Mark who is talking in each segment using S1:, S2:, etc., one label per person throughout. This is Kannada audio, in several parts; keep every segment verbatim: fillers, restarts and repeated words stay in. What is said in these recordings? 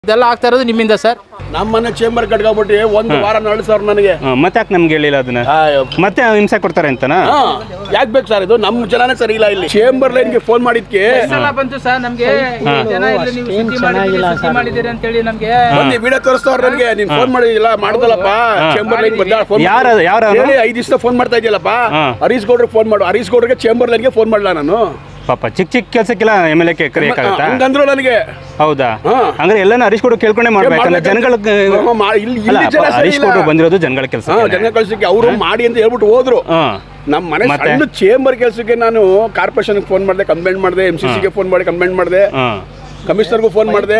S1: ಇದೆಲ್ಲ ಆಗ್ತಾ ಇರೋದು ನಿಮ್ಮಿಂದ ಸರ್.
S2: ನಮ್ಮನೆ ಚೇಂಬರ್ ಕಟ್ಕೊಂಡ್ಬಿಟ್ಟು ಒಂದು ವಾರ ನಳ್ಳಿ ಸರ್ ನನಗೆ.
S3: ಮತ್ತೆ ಯಾಕೆ ನಮ್ಗೆ ಹೇಳಿಲ್ಲ ಅದನ್ನ? ಮತ್ತೆ ಹಿಂಸೆ ಕೊಡ್ತಾರೆ ಅಂತನಾ?
S2: ಯಾಕೆ ಬೇಕು ಸರ್? ಇದು ನಮ್ಮ ಜನನೇ ಸರಿ ಇಲ್ಲ. ಇಲ್ಲಿ ಚೇಂಬರ್ ಲೈನ್ಗೆ ಫೋನ್ ಮಾಡಿದ್ಕೆ
S1: ಬಂತು ಸರ್ ನಮ್ಗೆ ಜನ ಇಲ್ಲಿ ನೀವು ಸುದ್ದಿ ಮಾಡಿದ್ದೀರಿ ಸುದ್ದಿ ಮಾಡಿದ್ದೀರಿ ಅಂತ ಹೇಳಿ ನಮ್ಗೆ
S2: ಬಂದು ವಿಡಿಯೋ ತೋರಿಸ್ತವ್ರು ನನಗೆ. ನೀನ್ ಫೋನ್ ಮಾಡಿದಿಲ್ಲ ಮಾಡ್ದಲ್ಲಪ್ಪ ಚೇಂಬರ್ ಲೈನ್ ಬಂದ ಫೋನ್
S3: ಯಾರು ಯಾರು
S2: ಹೇಳಿ ಐದು ದಿವಸ ಫೋನ್ ಮಾಡ್ತಾ ಇದೆಯಲ್ಲಪ್ಪ. ಹರೀಶ್ ಗೌಡ್ರಿಗೆ ಫೋನ್ ಮಾಡು. ಹರೀಶ್ ಗೌಡ್ರಿಗೆ ಚೇಂಬರ್ ಲೈನ್ಗೆ ಫೋನ್ ಮಾಡಲ್ಲ ನಾನು.
S3: ಪಾಪ ಚಿಕ್ಕ ಚಿಕ್ಕ ಕೆಲಸಕ್ಕೆಲ್ಲ ಎಮ್ ಎಲ್ ಎ ಕರೆಯಕ್ಕಾಗತ್ತಾ?
S2: ಹಂಗಂದ್ರು ನನಗೆ.
S3: ಹೌದಾ? ಹಂಗಾರೆ ಎಲ್ಲಾನು ಹರೀಶ್ ಗೌಡ್ರು ಕೇಳ್ಕೊಂಡೇ ಮಾಡ್ಬೇಕಂದ್ರೆ ಜನಗಳ ಹರೀಶ್ ಗೌಡ್ರು ಬಂದಿರೋದು ಜನಗಳ ಕೆಲಸ.
S2: ಜನ ಕಳ್ಸಕ್ಕೆ ಅವರು ಮಾಡಿ ಅಂತ ಹೇಳ್ಬಿಟ್ಟು ಹೋದ್ರು. ನಮ್ಮ ಮನೆ ಸಣ್ಣ ಚೇಂಬರ್ ಕೆಲಸಕ್ಕೆ ನಾನು ಕಾರ್ಪೊರೇಷನ್ಗೆ ಫೋನ್ ಮಾಡಿದೆ, ಕಂಪ್ಲೇಂಟ್ ಮಾಡಿದೆ, ಎಂ ಸಿ ಸಿಗೆ ಫೋನ್ ಮಾಡಿ ಕಂಪ್ಲೇಂಟ್ ಮಾಡಿದೆ, ಕಮಿಷನರ್ಗೂ ಫೋನ್ ಮಾಡಿದೆ.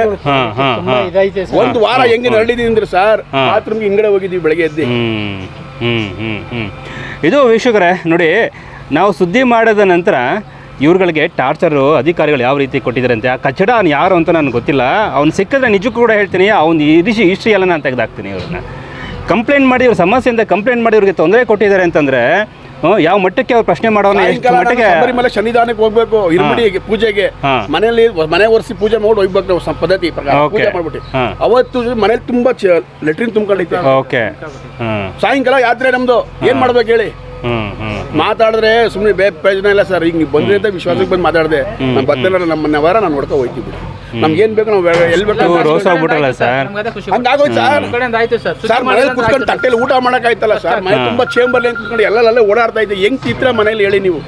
S2: ಒಂದು ವಾರ ಹೆಂಗೆ ನರಳಿದೀನಿ ಅಂದ್ರೆ ಸರ್, ಬಾತ್ರೂಮ್ಗೆ ಹಿಂಗಡೆ ಹೋಗಿದ್ದೀವಿ ಬೆಳಗ್ಗೆ ಎದ್ದು.
S3: ಹ್ಮ್ ಹ್ಮ್ ಹ್ಮ್ ಇದು ವೀಕ್ಷಕರೇ ನೋಡಿ, ನಾವು ಸುದ್ದಿ ಮಾಡಿದ ನಂತರ ಇವ್ರುಗಳಿಗೆ ಟಾರ್ಚರು ಅಧಿಕಾರಿಗಳು ಯಾವ ರೀತಿ ಕೊಟ್ಟಿದ್ದಾರೆ ಅಂತ. ಆ ಕಚಡ ಅವ್ನು ಯಾರು ಅಂತ ನನಗೆ ಗೊತ್ತಿಲ್ಲ. ಅವ್ನು ಸಿಕ್ಕಿದ್ರೆ ನಿಜಕ್ಕೂ ಕೂಡ ಹೇಳ್ತೀನಿ, ಅವ್ನು ಹಿಸ್ಟ್ರಿ ಹಿಸ್ಟ್ರಿ ಎಲ್ಲ ನಾನು ತೆಗೆದಾಕ್ತೀನಿ. ಇವ್ರನ್ನ ಕಂಪ್ಲೇಂಟ್ ಮಾಡಿ ಇವ್ರ ಸಮಸ್ಯೆಯಿಂದ ಕಂಪ್ಲೇಂಟ್ ಮಾಡಿ ಇವ್ರಿಗೆ ತೊಂದರೆ ಕೊಟ್ಟಿದ್ದಾರೆ ಅಂತಂದರೆ ಯಾವ ಮಟ್ಟಕ್ಕೆ ಅವ್ರು ಪ್ರಶ್ನೆ ಮಾಡೋಣ, ಎಷ್ಟು ಮಟ್ಟಿಗೆ
S2: ಶಬರಿಮಲೆ ಶನಿದಾನಕ್ಕೆ ಹೋಗ್ಬೇಕು, ಇರುಮಡಿ ಪೂಜೆಗೆ ಮನೆಯಲ್ಲಿ ಮನೆ ಒರೆಸಿ ಪೂಜೆ ಮಾಡಿ ಹೋಗ್ಬೇಕು ನಾವು ಪದ್ಧತಿ ಪ್ರಕಾರ ಪೂಜೆ ಮಾಡ್ಬಿಟ್ಟು. ಅವತ್ತು ಮನೇಲಿ ತುಂಬಾ ಲೆಟ್ರಿನ್ ತುಂಬ್ಕೊಂಡೈತೆ.
S3: ಓಕೆ,
S2: ಸಾಯಂಕಾಲ ಯಾತ್ರೆ ನಮ್ದು. ಏನ್ ಮಾಡ್ಬೇಕು ಹೇಳಿ? ಮಾತಾಡಿದ್ರೆ ಸುಮ್ಮನೆ ಬೇ ಪ್ರಯೋಜನ ಇಲ್ಲ ಸರ್. ಈಗ ನೀವು ಬಂದ್ರೆ ಅಂತ ವಿಶ್ವಾಸಕ್ಕೆ ಬಂದು ಮಾತಾಡಿದೆ. ನಾನು ಬರ್ತಾನಲ್ಲ ನಮ್ಮನ್ನ ವಾರ ನಾನು ನೋಡ್ಕೊ ಹೋಗ್ತೀವಿ. ನಮ್ಗೆ ಏನ್ ಬೇಕು ನಾವು ಎಲ್ಲಿ ಬೇಕು
S3: ರೋಸ್ ಆಗ್ಬಿಟ್ರಲ್ಲ ಸರ್,
S2: ಹಂಗಾಗೋಯ್ತು ಸರ್. ಸರ್ ಮನೇಲಿ ಕುತ್ಕೊಂಡು ತಟ್ಟೆಲಿ ಊಟ ಮಾಡಕ್ ಆಯ್ತಲ್ಲ ಸರ್. ಮನೆ ತುಂಬಾ ಚೇಂಬರ್ ಲೈನ್ ಕುತ್ಕೊಂಡು ಎಲ್ಲೆಲ್ಲ ಓಡಾಡ್ತಾ ಇದ್ದೆ. ಹೆಂಗ್ ಚಿತ್ರ ಮನೇಲಿ ಹೇಳಿ ನೀವು?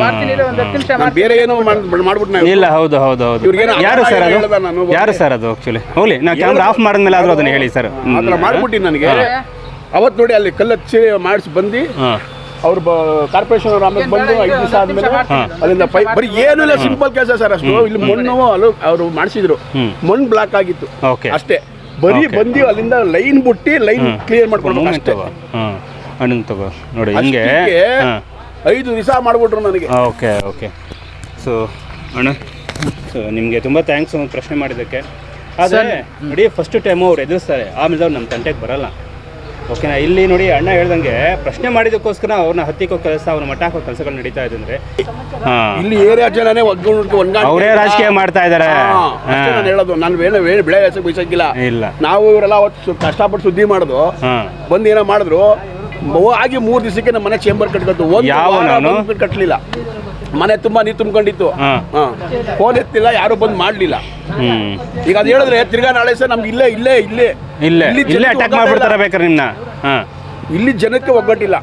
S2: ಬೇರೆ ಏನೋ ಮಾಡ್ಬಿಟ್ಟು
S3: ಇಲ್ಲ. ಹೌದು ಹೌದು ಹೌದು. ಯಾರು ಸರ್ ಅದು? ಯಾರು ಸರ್ ಅದು? ಆಕ್ಚುಲಿ ಹೋಗ್ಲಿ, ನಾ ಕ್ಯಾಮ್ರಾ ಆಫ್ ಮಾಡಿದ್ಮೇಲೆ ಆದ್ರೂ ಅದನ್ನ ಹೇಳಿ ಸರ್.
S2: ಆತರ ಮಾಡ್ಬಿಟ್ಟು ನನಗೆ ಅವತ್ತು ನೋಡಿ ಅಲ್ಲಿ ಕಲ್ಲಚ್ಚಿ ಮಾಡಿಸಿ ಬಂದು ಅವ್ರು ಕಾರ್ಪೊರೇಷನ್ ಅವ್ರು ಆಮೇಲೆ ಬಂದು ಐದು ದಿವಸ ಆದ್ಮೇಲೆ ಅಲ್ಲಿಂದ ಪೈಪ್ ಬರೀ ಏನು ಇಲ್ಲ, ಸಿಂಪಲ್ ಕೆಲಸ ಸರ್. ಅಷ್ಟು ಇಲ್ಲಿ ಮಣ್ಣು ಅಲ್ಲೂ ಅವರು ಮಾಡಿಸಿದ್ರು, ಮಣ್ಣು ಬ್ಲಾಕ್ ಆಗಿತ್ತು ಅಷ್ಟೇ. ಬರೀ ಬಂದು ಅಲ್ಲಿಂದ ಲೈನ್ ಬಿಟ್ಟು ಲೈನ್ ಕ್ಲಿಯರ್ ಮಾಡ್ಕೊಂಡು ಅಷ್ಟೇ.
S3: ಅಣ್ಣ ತಗೋ ನೋಡಿ, ಹಿಂಗೆ
S2: ಐದು ದಿವಸ ಮಾಡ್ಬಿಟ್ರು ನನಗೆ.
S3: Okay okay. ಸೊ ಅಣ್ಣ, ಸೊ ನಿಮಗೆ ತುಂಬ ಥ್ಯಾಂಕ್ಸ್ ಪ್ರಶ್ನೆ ಮಾಡಿದ್ದಕ್ಕೆ. ಆದರೆ ನೋಡಿ, ಫಸ್ಟ್ ಟೈಮು ಅವ್ರು ಎದುರಿಸ್ತಾರೆ, ಆಮೇಲೆ ಅವ್ರು ನಮ್ಮ ತಂಟೆಗೆ ಬರಲ್ಲ. ಓಕೆನಾ? ಇಲ್ಲಿ ನೋಡಿ, ಅಣ್ಣ ಹೇಳ್ದಂಗೆ ಪ್ರಶ್ನೆ ಮಾಡಿದಕ್ಕೋಸ್ಕರ ಅವ್ರನ್ನ ಹತ್ತಿಕ್ಕೋ ಕೆಲಸ, ಅವ್ರ ಮಟ್ಟ ಹಾಕೋ ಕೆಲಸಗಳು ನಡೀತಾ ಇದೆ ಅಂದ್ರೆ
S2: ಇಲ್ಲಿ ಏರಿಯಾ ಜನನೇ
S3: ಅವರೇ ರಾಜಕೀಯ ಮಾಡ್ತಾ ಇದ್ದಾರೆ.
S2: ನಾನು ಹೇಳೋದು, ನಾನು ಬೇರೆ ಬೇರೆ ಬೆಳೆ ಹೆಸರು ಬಯಸಕ್ಕಿಲ್ಲ. ಇಲ್ಲ, ನಾವು ಇವರೆಲ್ಲ ಅವತ್ತು ಕಷ್ಟಪಟ್ಟು ಸುದ್ದಿ ಮಾಡೋದು, ಬಂದು ಏನೋ ಮಾಡಿದ್ರು ಆಗಿ ಮೂರು ದಿವಸಕ್ಕೆ ನಮ್ಮ ಮನೆ ಚೇಂಬರ್ ಕಟ್ಕೊತು. ಒಂದು ಕಟ್ಟಲಿಲ್ಲ, ಮನೆ ತುಂಬಾ ನೀರು ತುಂಬ್ಕೊಂಡಿತ್ತು. ಫೋನ್ ಎತ್ತಿಲ್ಲ, ಯಾರು ಬಂದು ಮಾಡ್ಲಿಲ್ಲ. ಈಗ ಅದು ಹೇಳಿದ್ರೆ ತಿರ್ಗಾ ನಾಳೆ ಸರ್ ನಮ್ಗೆ ಇಲ್ಲೇ ಇಲ್ಲೇ ಇಲ್ಲೇ
S3: ಇಲ್ಲೇ ಇಲ್ಲೇ ಅಟ್ಯಾಕ್ ಮಾಡ್ಬಿಡ್ತಾರೆ ಬೇಕಾದ್ರೆ ನಿಮ್ನ.
S2: ಇಲ್ಲಿ ಜನಕ್ಕೆ ಒಗ್ಗಟ್ಟಿಲ್ಲ.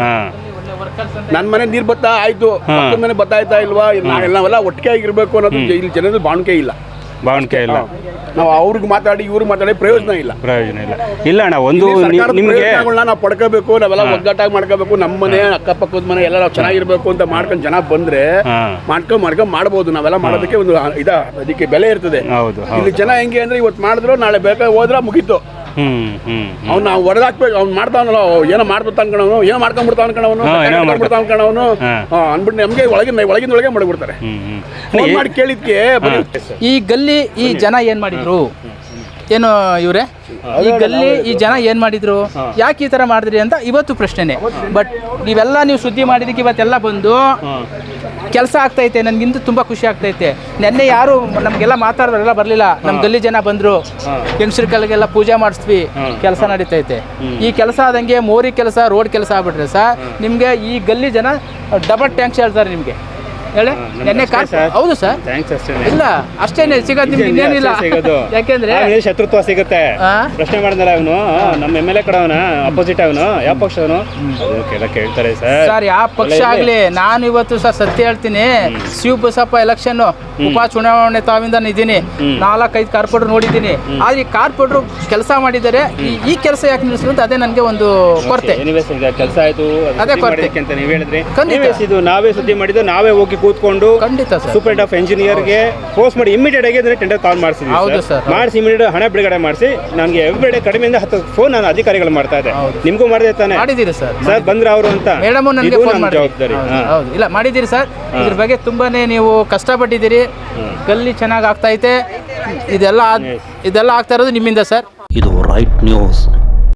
S2: ನನ್ನ ಮನೆ ನೀರು ಬತ್ತಾ ಆಯ್ತು, ಪಕ್ಕದ ಮನೆ ಬತ್ತಾಯ್ತಾ ಇಲ್ವಾ, ನಾವೆಲ್ಲ ಒಟ್ಟಿಗೆ ಆಗಿರ್ಬೇಕು ಅನ್ನೋದು ಇಲ್ಲಿ ಜನದ ಬಾಣಿಕೆ ಇಲ್ಲ.
S3: ಬಾಣಿಕೆ ಇಲ್ಲ.
S2: ನಾವು ಅವ್ರಿಗೆ ಮಾತಾಡಿ ಇವ್ರಿಗೆ ಮಾತಾಡಿ ಪ್ರಯೋಜನ ಇಲ್ಲ.
S3: ಪ್ರಯೋಜನ ಇಲ್ಲ. ಇಲ್ಲ ಅಣ್ಣ, ಒಂದು ನಿಮಗೆ
S2: ನಾವು ಪಡ್ಕೋಬೇಕು, ನಾವೆಲ್ಲ ಒಗ್ಗಟ್ಟಾಗಿ ಮಾಡ್ಕೋಬೇಕು. ನಮ್ಮ ಮನೆ ಅಕ್ಕಪಕ್ಕದ ಮನೆ ಎಲ್ಲ ನಾವು ಚೆನ್ನಾಗಿರ್ಬೇಕು ಅಂತ ಮಾಡ್ಕೊಂಡು ಜನ ಬಂದ್ರೆ ಮಾಡ್ಕೊಂಡ್ ಮಾಡ್ಕೊಂಡ್ ಮಾಡ್ಬೋದು. ನಾವೆಲ್ಲ ಮಾಡೋದಕ್ಕೆ ಒಂದು ಇದ ಅದಕ್ಕೆ ಬೆಲೆ ಇರ್ತದೆ. ಇಲ್ಲಿ ಜನ ಹೆಂಗೆ ಅಂದ್ರೆ ಇವತ್ತು ಮಾಡಿದ್ರು ನಾಳೆ ಬೇಕಾಗಿ ಹೋದ್ರ ಮುಗೀತು. ಅವ್ನು ನಾವು ಹೊಡೆದಾಕ್ಬೇಕು. ಅವ್ನು ಮಾಡ್ತಾವನಲ್ಲ, ಏನೋ ಮಾಡ್ಬಿಡ್ತಾ ಅನ್ಕೊಳವನು, ಏನೋ ಮಾಡ್ಕೊಂಡ್ಬಿಡ್ತಾ ಅನ್ಕೊಳವನು ಮಾಡ್ಬಿಡ್ತಾ ಅನ್ಕೊಳವನು ಅನ್ಬಿಟ್ಟು ನಮ್ಗೆ ಒಳಗಿನ ಒಳಗಿನ ಒಳಗೆ ಮಾಡ್ಬಿಡ್ತಾರೆ. ಫೋನ್ ಮಾಡಿ ಕೇಳಿದ್ಕೆ
S1: ಈ ಗಲ್ಲಿ ಈ ಜನ ಏನ್ ಮಾಡಿದ್ರು ಏನು ಇವ್ರೆ, ಈ ಗಲ್ಲಿ ಈ ಜನ ಏನ್ ಮಾಡಿದ್ರು, ಯಾಕೆ ಈ ತರ ಮಾಡಿದ್ರಿ ಅಂತ ಇವತ್ತು ಪ್ರಶ್ನೆನೆ. ಬಟ್ ನೀವೆಲ್ಲ ನೀವು ಸುದ್ದಿ ಮಾಡಿದಕ್ಕೆ ಇವತ್ತೆಲ್ಲ ಬಂದು ಕೆಲಸ ಆಗ್ತೈತೆ. ನನಗಿಂತ ತುಂಬ ಖುಷಿ ಆಗ್ತೈತೆ. ನೆನ್ನೆ ಯಾರು ನಮಗೆಲ್ಲ ಮಾತಾಡೋರೆಲ್ಲ ಬರಲಿಲ್ಲ, ನಮ್ಮ ಗಲ್ಲಿ ಜನ ಬಂದರು. ಹೆಂಗಸ್ರಿಗೆಲ್ಲ ಪೂಜೆ ಮಾಡಿಸ್ತೀವಿ, ಕೆಲಸ ನಡೀತೈತೆ. ಈ ಕೆಲಸ ಆದಂಗೆ ಮೋರಿ ಕೆಲಸ, ರೋಡ್ ಕೆಲಸ ಆಗ್ಬಿಟ್ರೆ ಸರ್ ನಿಮಗೆ ಈ ಗಲ್ಲಿ ಜನ ಡಬಲ್ ಟ್ಯಾಂಕ್ಸ್ ಹೇಳ್ತಾರೆ ನಿಮಗೆ. ಹೇಳಿ ನೆನ್ನೆ ಕಾರ್ ಹೌದು ಸರ್. ಇಲ್ಲ ಅಷ್ಟೇನೆ ಸಿಗೋದು ನಿಮ್ಗೆ, ಇನ್ನೇನಿಲ್ಲ. ಯಾಕೆಂದ್ರೆ
S3: ಶತ್ರುತ್ವ ಸಿಗುತ್ತೆ. ಪ್ರಶ್ನೆ ಮಾಡಿದ್ರೆ ಅವನು ನಮ್ಮ ಎಮ್ ಎಲ್ ಎ ಕಡೆ ಅವನ ಅಪೋಸಿಟ್ ಅವನು ಯಾವ ಪಕ್ಷ ಅವನು ಕೇಳ್ತಾರೆ ಸರ್.
S1: ಸರ್ ಯಾವ ಪಕ್ಷ ಆಗ್ಲಿ, ನಾನು ಇವತ್ತು ಸರ್ ಸತ್ಯ ಹೇಳ್ತೀನಿ, ಶಿವ ಬಸಪ್ಪ ಎಲೆಕ್ಷನ್ ಉಪ ಚುನಾವಣೆ ತಾವಿಂದ ಇದ್ದೀನಿ. ನಾಲ್ಕೈದು ಕಾರ್ಪೊರೇಟರ್ ನೋಡಿದ್ದೀನಿ. ಆದ್ರೆ ಈ ಕಾರ್ಪೊರೇಟರ್ ಕೆಲಸ ಮಾಡಿದ್ದಾರೆ, ಈ ಕೆಲಸ ಯಾಕೆ ನಿಲ್ಲಿಸಿದ್ರು ಅಂತ ಅದೇ ನನಗೆ ಒಂದು ಕೊರತೆ.
S3: ಕೆಲಸ ಆಯ್ತು
S1: ಅದೇ ಕೊರತೆ
S3: ಅಂತ ನೀವು ಹೇಳಿದ್ರಿ.
S1: ಖಂಡಿತ
S3: ನಾವೇ ಸುದ್ದಿ ಮಾಡಿದ್ದು, ನಾವೇ ಹೋಗಿ ಕೂತ್ಕೊಂಡು
S1: ಖಂಡಿತ
S3: ಸೂಪರ್ ಆಫ್ ಇಂಜಿನಿಯರ್ಗೆ ಫೋರ್ಸ್ ಮಾಡಿ ಇಮಿಡಿಯೇಟ್ ಆಗಿ ಟೆಂಡರ್ ಕಾಲ್ ಮಾಡಿಸಿದ್ವಿ. ಮಾಡಿಸಿ ಇಮಿಡಿಯೇಟ್ ಹಣ ಬಿಡುಗಡೆ ಮಾಡಿಸಿ ನನಗೆ ಎವ್ರಿಡೇ ಕಡಿಮೆಯಿಂದ ಹತ್ತು ಫೋನ್ ನಾನು ಅಧಿಕಾರಿಗಳು ಮಾಡ್ತಾ ಇದ್ದೆ. ನಿಮಗೂ ಮಾಡಿದೆ ತಾನೆ?
S1: ಮಾಡಿದ್ದೀರಿ ಸರ್.
S3: ಸರ್ ಬಂದ್ರೆ ಅವರು ಅಂತ
S1: ಮೇಡಮ್ ನನಗೆ ಫೋನ್ ಮಾಡಿ ಜವಾಬ್ದಾರಿ. ಹೌದು, ಇಲ್ಲ ಮಾಡಿದ್ದೀರಿ ಸರ್. ಇದ್ರ ಬಗ್ಗೆ ತುಂಬಾನೇ ನೀವು ಕಷ್ಟಪಟ್ಟಿದ್ದೀರಿ. ಗಲ್ಲಿ ಚೆನ್ನಾಗಿ ಆಗ್ತಾ ಐತೆ. ಇದೆಲ್ಲ ಇದೆಲ್ಲ ಆಗ್ತಾ ಇರೋದು ನಿಮ್ಮಿಂದ ಸರ್.
S4: ಇದು ರೈಟ್ ನ್ಯೂಸ್.